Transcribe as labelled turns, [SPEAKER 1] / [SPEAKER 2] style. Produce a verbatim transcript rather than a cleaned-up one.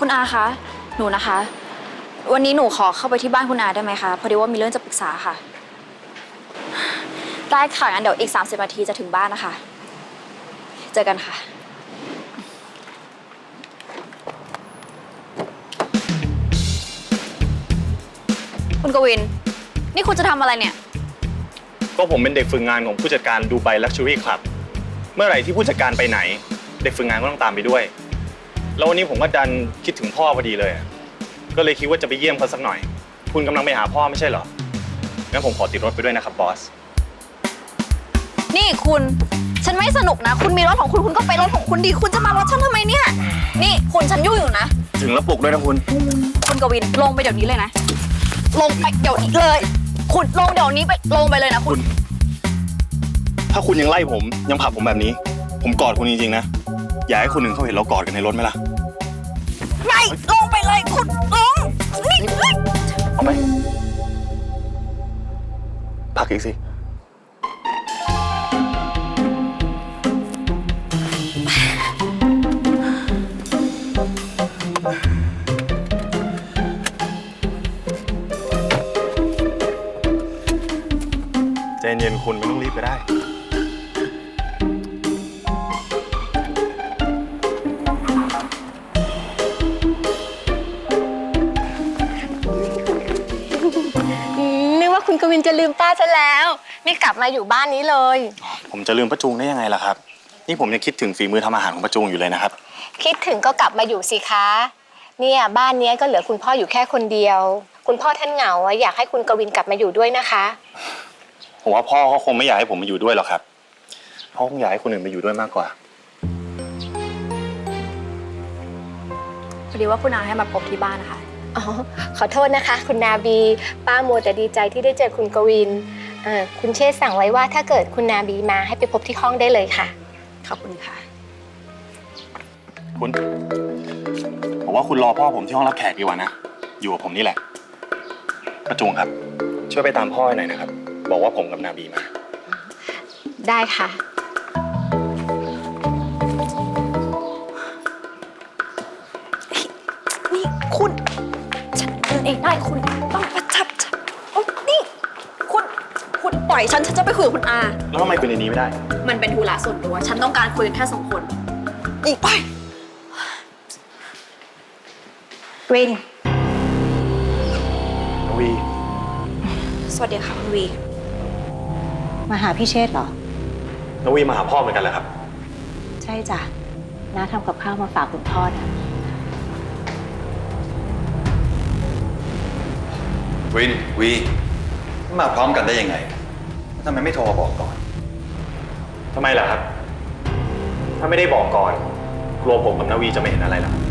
[SPEAKER 1] คุณอาคะหนูนะคะวันนี้หนูขอเข้าไปที่บ้านคุณอาได้ไหมคะพอดีว่ามีเรื่องจะปรึกษาค่ะได้ค่ะงั้นเดี๋ยวอีกสามสิบนาทีจะถึงบ้านนะคะเจอกันค่ะคุณกวินนี่คุณจะทำอะไรเนี่ย
[SPEAKER 2] ก็ผมเป็นเด็กฝึกงานของผู้จัดการดูไบลักชัวรี่คลับเมื่อไหร่ที่ผู้จัดการไปไหนเด็กฝึกงานก็ต้องตามไปด้วยแล้ววันนี้ผมก็ดันคิดถึงพ่อพอดีเลยก็เลยคิดว่าจะไปเยี่ยมเขาสักหน่อยคุณกำลังไปหาพ่อไม่ใช่เหรองั้นผมขอติดรถไปด้วยนะครับบอส
[SPEAKER 1] นี่คุณฉันไม่สนุกนะคุณมีรถของคุณคุณก็ไปรถของคุณดีคุณจะมารถฉันทำไมเนี่ยนี่คุณฉันยุ่งอยู่นะ
[SPEAKER 2] ถึงแล้วปลุกด้วยนะคุณ
[SPEAKER 1] คุณกวินลงไปเดี๋ยวนี้เลยนะลงไปเดี๋ยวนี้เลยคุณลงเดี๋ยวนี้ไปลงไปเลยนะคุณ
[SPEAKER 2] ถ้าคุณยังไล่ผมยังผลักผมแบบนี้ผมกอดคุณจริงๆนะอยากให้คนหนึ่งเขาเห็นเรากอดกันในรถไหมล่ะ
[SPEAKER 1] ไม่ลงไปเลยคุณลงนี่
[SPEAKER 2] เอาไปผลักอีกสิใจเย็นคุณไม่ต้องรีบก็ได้
[SPEAKER 3] นึกว่าคุณกวินจะลืมป้าซะแล้วไม่กลับมาอยู่บ้านนี้เลย
[SPEAKER 2] ผมจะลืมป้าจูงได้ยังไงล่ะครับนี่ผมยังคิดถึงฝีมือทำอาหารของป้าจูงอยู่เลยนะครับ
[SPEAKER 3] คิดถึงก็กลับมาอยู่สิคะเนี่ยบ้านนี้ก็เหลือคุณพ่ออยู่แค่คนเดียวคุณพ่อท่านเหงาอยากให้คุณกวินกลับมาอยู่ด้วยนะคะ
[SPEAKER 2] ผมว่าพ่อเขาคงไม่อยากให้ผมมาอยู่ด้วยหรอกครับพ่อคงอยากให้คนอื่นมาอยู่ด้วยมากกว่า
[SPEAKER 1] พอดีว่าคุณอาให้มาพบที่บ้านนะคะ
[SPEAKER 3] อ๋อขอโทษนะคะคุณนาบีป้ามัวแต่ดีใจที่ได้เจอคุณกวินเอ่อคุณเชษสั่งไว้ว่าถ้าเกิดคุณนาบีมาให้ไปพบที่ห้องได้เลยค่ะ
[SPEAKER 1] ขอบคุณค่ะ
[SPEAKER 2] คุณผมว่าคุณรอพ่อผมที่ห้องรับแขกดีกว่านะอยู่กับผมนี่แหละป้าจูงครับช่วยไปตามพ่อหน่อยนะครับบอกว่าผมกับนาบีมา
[SPEAKER 3] ได้ค่ะ
[SPEAKER 1] นี่คุณฉันเดินเองได้คุณต้องประจับจับโอ้นี่คุณคุณปล่อยฉันฉันจะไปคุยกับคุณอา
[SPEAKER 2] แล้วทำไมคุยในนี้ไม่ได้
[SPEAKER 1] มันเป็นธุระส่วนตัวฉันต้องการคุยกันแค่สองคนอีกไปวิน
[SPEAKER 2] วี
[SPEAKER 1] สวัสดีค่ะคุณวี
[SPEAKER 4] มาหาพี่เชษฐ์เหรอ
[SPEAKER 2] น้องวีมาหาพ่อเหมือนกันเหรอครับ
[SPEAKER 4] ใช่จ้ะน้าทำกับข้าวมาฝากคุณพ่อนะ
[SPEAKER 5] วินวีมาพร้อมกันได้ยังไงทำไมไม่โทรมาบอกก่อน
[SPEAKER 2] ทำไมล่ะครับถ้าไม่ได้บอกก่อนกลัวผมกับนาวีจะไม่เห็นอะไรหรอ